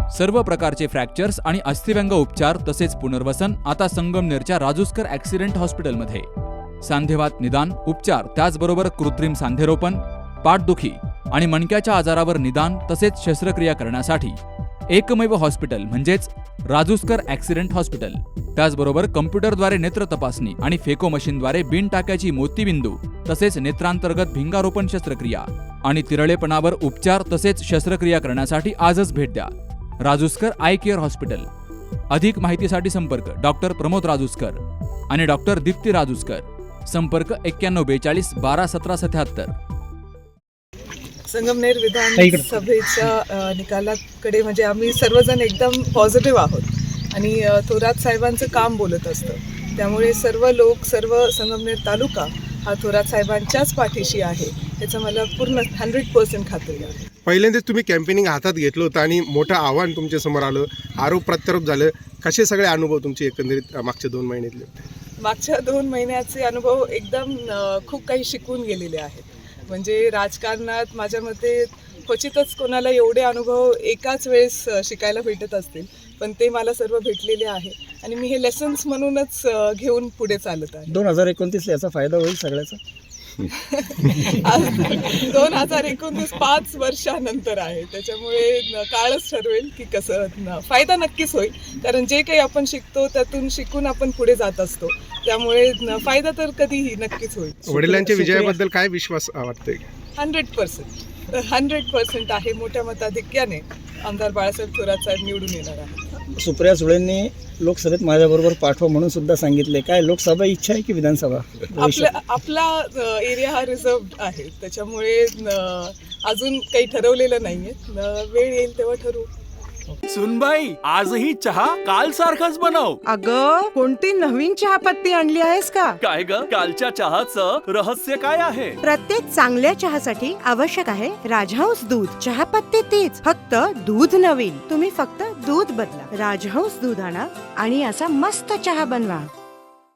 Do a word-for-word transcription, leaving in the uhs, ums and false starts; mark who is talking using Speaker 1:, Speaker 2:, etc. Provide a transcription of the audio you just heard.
Speaker 1: सर्व प्रकारचे फ्रॅक्चर्स आणि अस्थिव्यंग उपचार तसेच पुनर्वसन आता संगमनेरच्या राजूस्कर ॲक्सिडेंट हॉस्पिटलमध्ये. सांधेवात निदान, उपचार, त्याचबरोबर कृत्रिम सांधेरोपण, पाठदुखी आणि मणक्याच्या आजारावर निदान तसेच शस्त्रक्रिया करण्यासाठी एकमेव हॉस्पिटल म्हणजेच राजूस्कर ॲक्सिडेंट हॉस्पिटल. त्याचबरोबर कम्प्युटरद्वारे नेत्र तपासणी आणि फेको मशीनद्वारे बिन टाक्याची मोतीबिंदू तसेच नेत्रांतर्गत भिंगारोपण शस्त्रक्रिया आणि तिरळेपणावर उपचार तसेच शस्त्रक्रिया करण्यासाठी आजच भेट द्या. Rajuskar eye care hospital. अधिक माहितीसाठी संपर्क डॉक्टर प्रमोद राजूस्कर आणि डॉक्टर दीप्ती राजूस्कर. संपर्क एक्क्याण्णव बेचाळीस बारा सतरा सत्याहत्तर.
Speaker 2: संगमनेर विधानसभेच्या निकालाकडे म्हणजे आम्ही सर्वजण एकदम पॉझिटिव्ह आहोत आणि थोरात साहेबांचं काम बोलत असतं. त्यामुळे सर्व लोक, सर्व संगमनेर तालुका हा थोरात साहेबांच्याच पाठीशी आहे याचं मला पूर्ण हंड्रेड पर्सेंट खात्री आहे.
Speaker 3: पहिल्यांदाच तुम्ही कॅम्पेनिंग हातात घेतलं होतं आणि मोठं आव्हान तुमच्या समोर आलं, आरोप प्रत्यारोप झालं. कसे सगळे अनुभव तुमचे एकंदरीत मागच्या दोन महिन्यातले?
Speaker 2: मागच्या दोन महिन्याचे अनुभव एकदम खूप काही शिकून गेलेले आहेत. म्हणजे राजकारणात माझ्या मते क्वचितच कोणाला एवढे अनुभव एकाच वेळेस शिकायला भेटत असतील, पण ते मला सर्व भेटलेले आहे आणि मी हे लेसन्स म्हणूनच घेऊन पुढे चालत आहे.
Speaker 4: दोन हजार एकोणतीसला याचा फायदा होईल सगळ्याचा?
Speaker 2: दोन हजार एकोणतीस पाच वर्षानंतर आहे, त्याच्यामुळे काळच ठरवेल की कसं. फायदा नक्कीच होईल, कारण जे काही आपण शिकतो त्यातून शिकून आपण पुढे जात असतो, त्यामुळे फायदा तर कधीही नक्कीच होईल.
Speaker 3: वडिलांच्या विजयाबद्दल काय विश्वास वाटतोय?
Speaker 2: हंड्रेड पर्सेंट हंड्रेड पर्सेंट आहे. मोठ्या मताधिक्याने आमदार बाळासाहेब थोरात साहेब निवडून येणार आहे.
Speaker 4: सुप्रिया सुळेंनी लोकसभेत माझ्याबरोबर पाठवा म्हणून सुद्धा सांगितले. काय लोकसभा इच्छा आहे की विधानसभा?
Speaker 2: आपला आपला एरिया हा रिझर्व्ड आहे, त्याच्यामुळे अजून काही ठरवलेलं नाहीये. वेळ येईल तेव्हा ठरवू.
Speaker 5: सुनबाई, आजही चहा काल सारखाच बनव.
Speaker 6: अगं, कोणती नवीन चहापत्ती आणली आहेस का?
Speaker 5: काय ग, कालच्या चहाचं रहस्य काय आहे?
Speaker 6: प्रत्येक चांगल्या चहासाठी आवश्यक आहे राजहंस दूध. चहापत्ती तीच, फक्त दूध नवीन. तुम्ही फक्त दूध बदला. राजहंस दूध आणा आणि असा मस्त चहा बनवा.